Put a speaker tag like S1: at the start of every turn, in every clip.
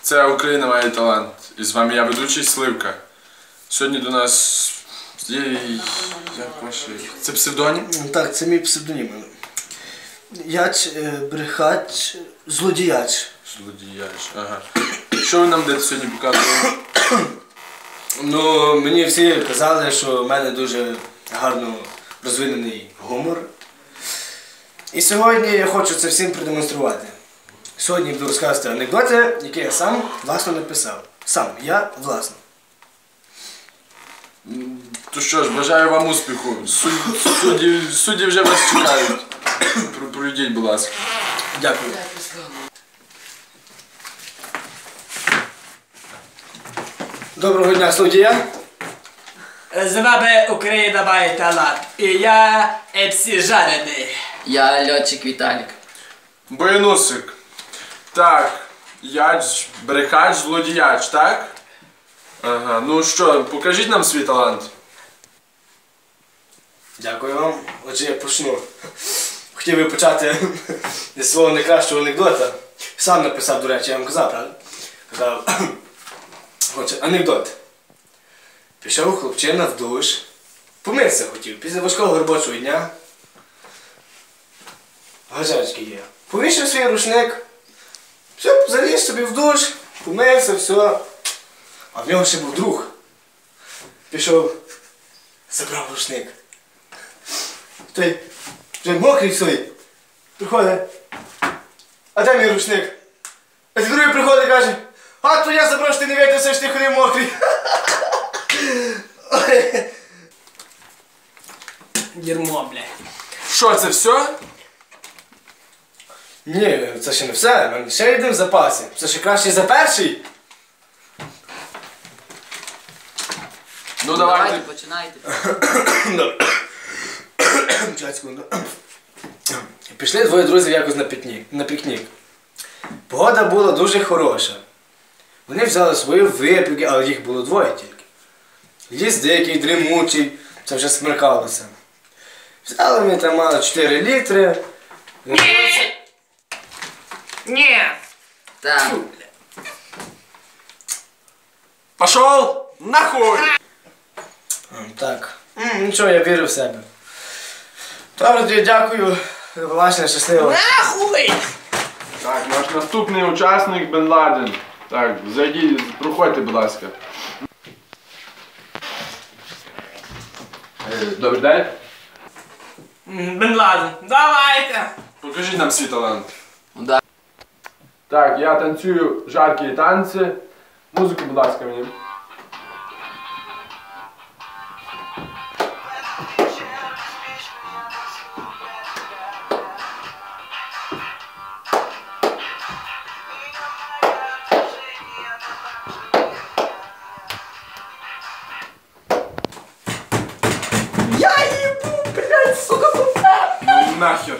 S1: Це Україна має талант. І з вами я, ведучий Сливка. Сьогодні до нас є... Як ваше? Це псевдонім?
S2: Так, це мій псевдонім. Яч, брехач, злодіяч.
S1: Злодіяч, ага. Що ви нам будете сьогодні показувати?
S2: Ну, мені всі казали, що в мене дуже гарно розвинений гумор. І сьогодні я хочу це всім продемонструвати. Сьогодні буду розказувати анекдоти, які я сам власно написав. Сам, я власно.
S1: То що ж, бажаю вам успіху. Судді вже вас чекають. Пройдіть, будь ласка.
S2: Дякую. Доброго дня, студія.
S3: З вами Україна має талант. І я МС Жарений.
S4: Я льотчик Віталік.
S1: Боянусик. Так, яч, брехач, злодіяч, так? Ага, ну що, покажіть нам свій талант.
S2: Дякую вам. Отже, я почну. Хотів би почати зі свого найкращого анекдота. Сам написав, до речі, я вам казав, правда? Казав. Отже, анекдот. Пішов хлопчина в душ. Помитися хотів. Після важкого робочого дня. Газячки є. Повішав свій рушник. Все, заліз собі в душ. Помився, все. А в нього ще був друг. Пішов, забрав рушник. Той вже мокрий свій. Приходить. А де мій рушник? А той другий приходить і каже: а то я забрав, що ти не витягся, що ти ходив мокрий.
S3: Дерьмо, блядь.
S1: Що, це все?
S2: Ні, це ще не все. У мене ще один в запасі. Це ще краще за перший.
S1: Ну давайте.
S4: Починайте.
S2: Чекай секунду. Пішли двоє друзів якось на пікнік. Погода була дуже хороша. Вони взяли свої випіки, але їх було двоє тільки. Ліс дикий, дрімучий, це вже смеркалося. Взяли вони там мало 4 літри.
S3: Ні.
S4: Так.
S1: Пошов нахуй!
S2: Так. Нічого, я вірю в себе. Добре, дякую. Власне, щасливо.
S3: Нахуй!
S1: Так, наш наступний учасник Бен Ладен. Так, зайдіть, проходьте, будь ласка. Добрий день.
S3: Бен Ладен, давайте!
S1: Покажіть нам свій талант.
S4: Да.
S1: Так, я танцюю жаркі танці. Музику, будь ласка, мені.
S3: Я ебу, блядь, сука, куда?
S1: Ну нахер.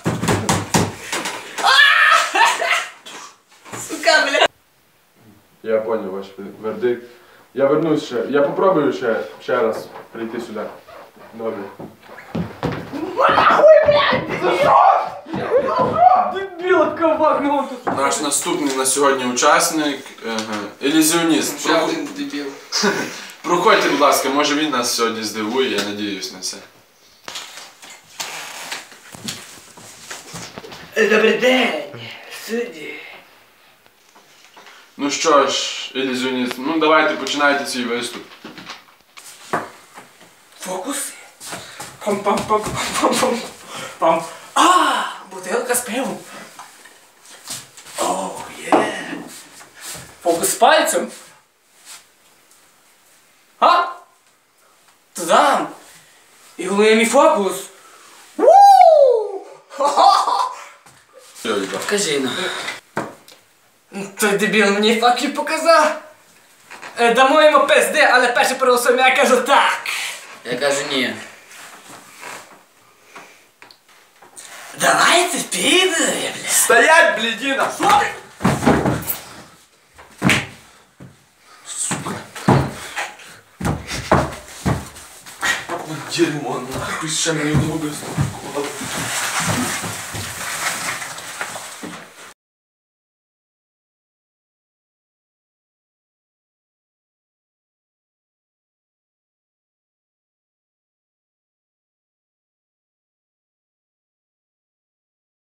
S3: Сука, блядь.
S1: Я понял ваш вердикт. Я вернусь ще. Я попробую ще раз прийти сюди. Добре.
S3: Нахуй, блядь! Дебіла ковагнув тут.
S1: Наш наступний на сьогодні учасник ілюзіоніст.
S4: Ще один дебіл.
S1: Проходьте, будь ласка, може він нас сьогодні здивує, я надіюсь на це.
S3: Добрий день, судді.
S1: Ну що ж, ілюзіоніст, ну давайте починайте свій виступ.
S3: Фокуси. Пам-пам-пам-пам-пам-пам. А, бутилка з пивом. О, є. Фокус з пальцем. А? Тудам. І головний мій фокус. Вуу!
S1: Йойба.
S4: Кажи нам.
S3: Той дебіл мені факи показав. Дамо йому пизди, але перше проголосуємо, я кажу так.
S4: Я кажу ні.
S3: Давайте підемо, бля.
S1: Стоять, блядина! Дерьмо, нахуй, ще мені в ногу стукувало.